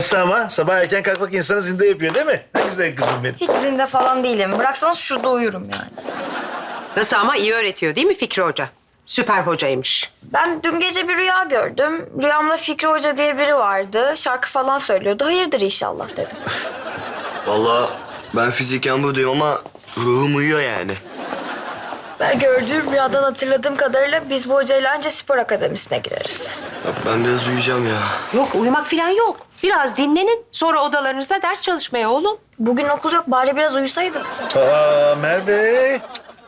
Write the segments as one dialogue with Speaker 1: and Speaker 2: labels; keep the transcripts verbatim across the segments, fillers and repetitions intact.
Speaker 1: Nasıl ama? Sabah erken kalkmak insanı zinde yapıyor değil mi? Ne güzel kızım benim.
Speaker 2: Hiç zinde falan değilim. Bıraksanız şurada uyurum yani.
Speaker 3: Nasıl ama iyi öğretiyor değil mi Fikri Hoca? Süper hocaymış.
Speaker 2: Ben dün gece bir rüya gördüm. Rüyamda Fikri Hoca diye biri vardı. Şarkı falan söylüyordu. Hayırdır inşallah dedim.
Speaker 4: Vallahi ben fiziken buradayım ama ruhum uyuyor yani.
Speaker 2: Ben gördüğüm rüyadan hatırladığım kadarıyla biz bu hocayla önce spor akademisine gireriz.
Speaker 4: Ya ben biraz uyuyacağım ya.
Speaker 3: Yok uyumak falan yok. Biraz dinlenin sonra odalarınızda ders çalışmaya oğlum.
Speaker 2: Bugün okul yok. Bari biraz uyusaydım.
Speaker 1: Aa Merve.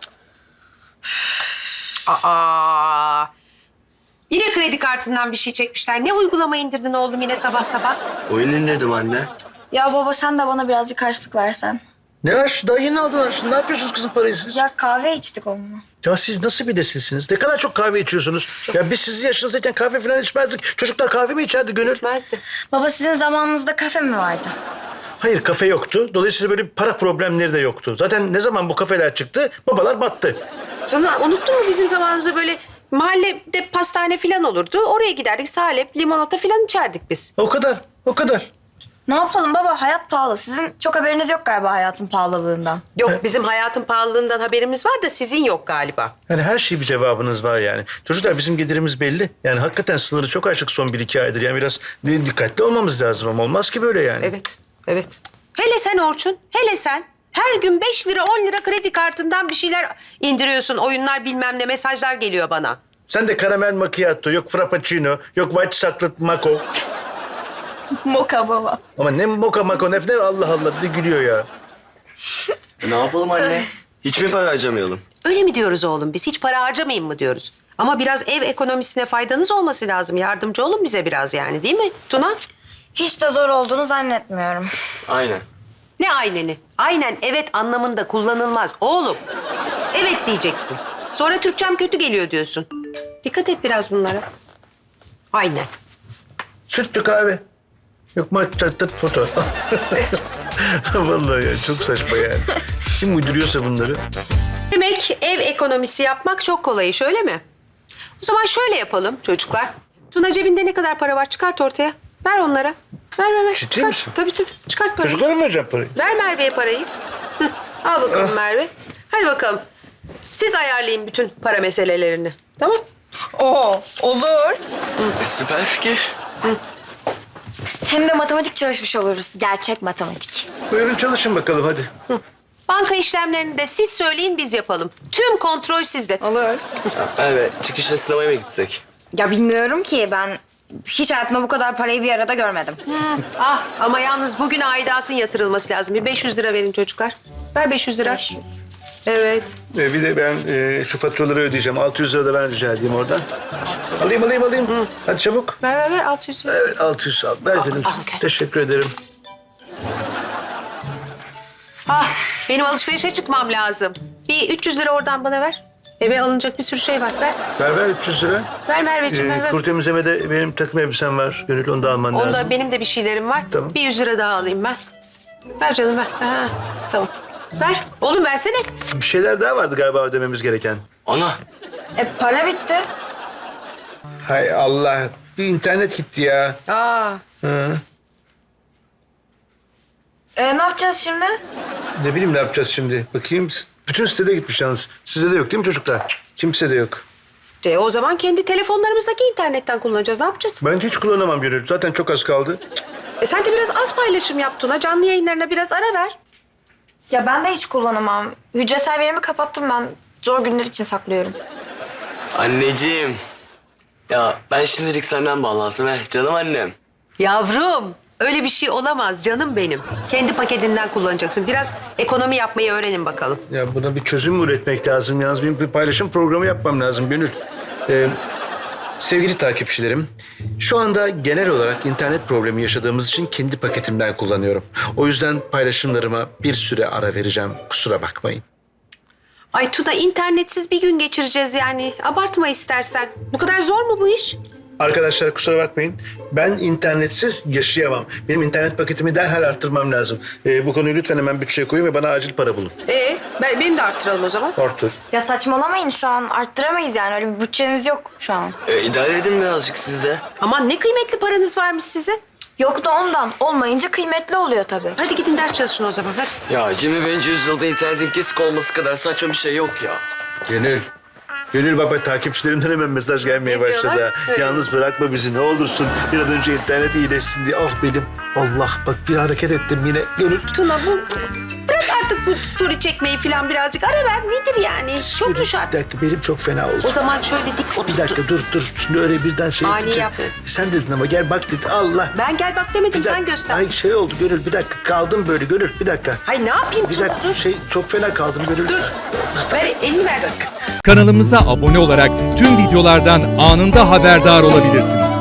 Speaker 3: Aa. Yine kredi kartından bir şey çekmişler. Ne uygulama indirdin oğlum yine sabah sabah?
Speaker 4: Oyun dedim anne.
Speaker 2: Ya baba sen de bana birazcık harçlık versen.
Speaker 1: Ne aş? Daha yeni aldın harçlığını. Ne yapıyorsunuz kızım parayı siz? Ya.
Speaker 2: Ya kahve içtik onunla.
Speaker 1: ya siz nasıl bir nesilsiniz? Ne kadar çok kahve içiyorsunuz? Ya biz sizin yaşınızdayken kahve falan içmezdik. Çocuklar kahve mi içerdi Gönül?
Speaker 3: Bilmezdi.
Speaker 2: Baba sizin zamanınızda kafe mi vardı?
Speaker 1: Hayır kafe yoktu. Dolayısıyla böyle para problemleri de yoktu. Zaten ne zaman bu kafeler çıktı babalar battı.
Speaker 3: Sonra unuttun mu bizim zamanımızda böyle mahallede pastane falan olurdu. Oraya giderdik salep, limonata falan içerdik biz.
Speaker 1: O kadar, o kadar.
Speaker 2: Ne yapalım baba? Hayat pahalı. Sizin çok haberiniz yok galiba hayatın pahalılığından.
Speaker 3: Yok bizim hayatın pahalılığından haberimiz var da sizin yok galiba.
Speaker 1: Yani her şey bir cevabınız var yani. Çocuklar bizim gelirimiz belli. Yani hakikaten sınırı çok aşık son bir iki aydır. Yani biraz dikkatli olmamız lazım ama olmaz ki böyle yani.
Speaker 3: Evet, evet. Hele sen Orçun, hele sen. Her gün beş lira, on lira kredi kartından bir şeyler indiriyorsun. Oyunlar bilmem ne mesajlar geliyor bana.
Speaker 1: Sen de karamel macchiato, yok frappuccino, yok white chocolate maco.
Speaker 2: Moka baba.
Speaker 1: Ama ne moka maco ne ne Allah Allah bir de gülüyor ya.
Speaker 4: E, ne yapalım anne? Hiç mi para harcamayalım?
Speaker 3: Öyle mi diyoruz oğlum? Biz hiç para harcamayın mı diyoruz? Ama biraz ev ekonomisine faydanız olması lazım. Yardımcı olun bize biraz yani değil mi Tuna?
Speaker 2: Hiç de zor olduğunu zannetmiyorum.
Speaker 4: Aynen.
Speaker 3: Ne ayneni? Aynen evet anlamında kullanılmaz oğlum. Evet diyeceksin. Sonra Türkçem kötü geliyor diyorsun. Dikkat et biraz bunlara. Aynen.
Speaker 1: Sütlü kahve. Yok macchiato foto. Vallahi ya çok saçma yani. Kim uyduruyorsa bunları.
Speaker 3: Demek ev ekonomisi yapmak çok kolay iş öyle mi? O zaman şöyle yapalım çocuklar. Tuna cebinde ne kadar para var çıkart ortaya. Ver onlara. Ver ver ver.
Speaker 1: Ciddi
Speaker 3: çıkart.
Speaker 1: misin?
Speaker 3: Tabii tabii çıkart parayı.
Speaker 1: Çocuklara mı vereceğim parayı?
Speaker 3: Ver Merve'ye parayı. Hı, al bakalım Merve. Hadi bakalım. Siz ayarlayın bütün para meselelerini. Tamam?
Speaker 2: Oo, olur.
Speaker 4: E, süper fikir.
Speaker 2: Hem de matematik çalışmış oluruz. Gerçek matematik.
Speaker 1: Buyurun çalışın bakalım hadi.
Speaker 3: Banka işlemlerini de siz söyleyin biz yapalım. Tüm kontrol sizde.
Speaker 2: Olur.
Speaker 4: Evet, çıkışta sinemaya mı gitsek?
Speaker 2: Ya bilmiyorum ki ben hiç hayatımda bu kadar parayı bir arada görmedim.
Speaker 3: Ah ama yalnız bugün aidatın yatırılması lazım. Bir beş yüz lira verin çocuklar. Ver beş yüz lira.
Speaker 2: beş yüz.
Speaker 3: Evet.
Speaker 1: Ee, bir de ben e, şu faturaları ödeyeceğim. altı yüz lira da ben rica edeyim oradan. Alayım alayım alayım. Hadi çabuk.
Speaker 3: Ver ver ver altı yüz ver.
Speaker 1: Evet altı yüz al. Ver dedim.
Speaker 3: al, gel.
Speaker 1: Teşekkür ederim.
Speaker 3: Ah benim alışverişe çıkmam lazım. Bir üç yüz lira oradan bana ver. Eve alınacak bir sürü şey var. Ver.
Speaker 1: Ver ver üç yüz lira.
Speaker 3: Ver Merveciğim
Speaker 1: Ee,
Speaker 3: ver ver.
Speaker 1: kuru temizlemede benim takım elbisem var. Gönül onu da alman lazım.
Speaker 3: Onda benim de bir şeylerim var.
Speaker 1: Tamam.
Speaker 3: Bir yüz lira daha alayım ben. Ver canım ver. Ha, tamam. Ver. Oğlum versene.
Speaker 1: Bir şeyler daha vardı galiba ödememiz gereken.
Speaker 4: Ana,
Speaker 2: E para bitti.
Speaker 1: Hay Allah. Bir internet gitti ya.
Speaker 3: Aa.
Speaker 1: Hı.
Speaker 2: E ne yapacağız şimdi?
Speaker 1: Ne bileyim ne yapacağız şimdi. Bakayım. Bütün sitede gitmiş yalnız. Sizde de yok değil mi çocuklar? Kimse de yok.
Speaker 3: De, o zaman kendi telefonlarımızdaki internetten kullanacağız. Ne yapacağız?
Speaker 1: Ben hiç kullanamam Gönül. Zaten çok az kaldı.
Speaker 3: E sen de biraz az paylaşım yap Tuna. Canlı yayınlarına biraz ara ver.
Speaker 2: Ya ben de hiç kullanamam. Hücresel verimi kapattım ben. Zor günler için saklıyorum.
Speaker 4: anneciğim. Ya ben şimdilik senden bağlansam he, canım annem.
Speaker 3: Yavrum öyle bir şey olamaz canım benim. Kendi paketinden kullanacaksın. Biraz ekonomi yapmayı öğrenin bakalım.
Speaker 1: Ya buna bir çözüm üretmek lazım. Yalnız benim bir paylaşım programı yapmam lazım Gönül. Ee, sevgili takipçilerim, şu anda genel olarak internet problemi yaşadığımız için kendi paketimden kullanıyorum. O yüzden paylaşımlarıma bir süre ara vereceğim. Kusura bakmayın.
Speaker 3: Ay Tuna internetsiz bir gün geçireceğiz yani. Abartma istersen. Bu kadar zor mu bu iş?
Speaker 1: Arkadaşlar kusura bakmayın. Ben internetsiz yaşayamam. Benim internet paketimi derhal arttırmam lazım. Ee, bu konuyu lütfen hemen bütçeye koyun ve bana acil para bulun.
Speaker 3: Ee, ben, benim de arttıralım o zaman.
Speaker 1: Arttır.
Speaker 2: Ya saçmalamayın şu an arttıramayız yani öyle bir bütçemiz yok şu an.
Speaker 4: E, idare edin birazcık siz de.
Speaker 3: Aman ne kıymetli paranız varmış sizin.
Speaker 2: Yok da ondan. Olmayınca kıymetli oluyor tabii.
Speaker 3: Hadi gidin ders çalışın o zaman hadi.
Speaker 4: Ya Cemil bence yüzyılda internetin kesik olması kadar saçma bir şey yok ya.
Speaker 1: Gönül. Gönül baba takipçilerimden hemen mesaj gelmeye
Speaker 3: Ne
Speaker 1: başladı.
Speaker 3: diyorlar?
Speaker 1: ha.
Speaker 3: Öyle.
Speaker 1: Yalnız bırakma bizi ne olursun. Bir an önce internet iyileşsin diye. Ah benim Allah bak bir hareket ettim yine. Gönül.
Speaker 3: Tuna bu... Bırak artık bu story çekmeyi falan birazcık. Ara ver nedir yani? Çok mu
Speaker 1: Bir
Speaker 3: şart?
Speaker 1: dakika benim çok fena oldu.
Speaker 3: O zaman şöyle dik otur.
Speaker 1: Bir dakika dur dur. Şimdi öyle birden şey
Speaker 3: Ani
Speaker 1: yapacak.
Speaker 3: yapma.
Speaker 1: Sen dedin ama gel bak dedi. Allah.
Speaker 3: Ben gel bak demedim
Speaker 1: Bir dakika.
Speaker 3: sen göster.
Speaker 1: Ay şey oldu Gönül bir dakika kaldım böyle Gönül bir dakika.
Speaker 3: Hay ne yapayım
Speaker 1: Bir
Speaker 3: Tuna
Speaker 1: dakika
Speaker 3: dur.
Speaker 1: şey çok fena kaldım Gönül.
Speaker 3: Dur. Ver elini ver.
Speaker 5: Kanalımıza abone olarak tüm videolardan anında haberdar olabilirsiniz.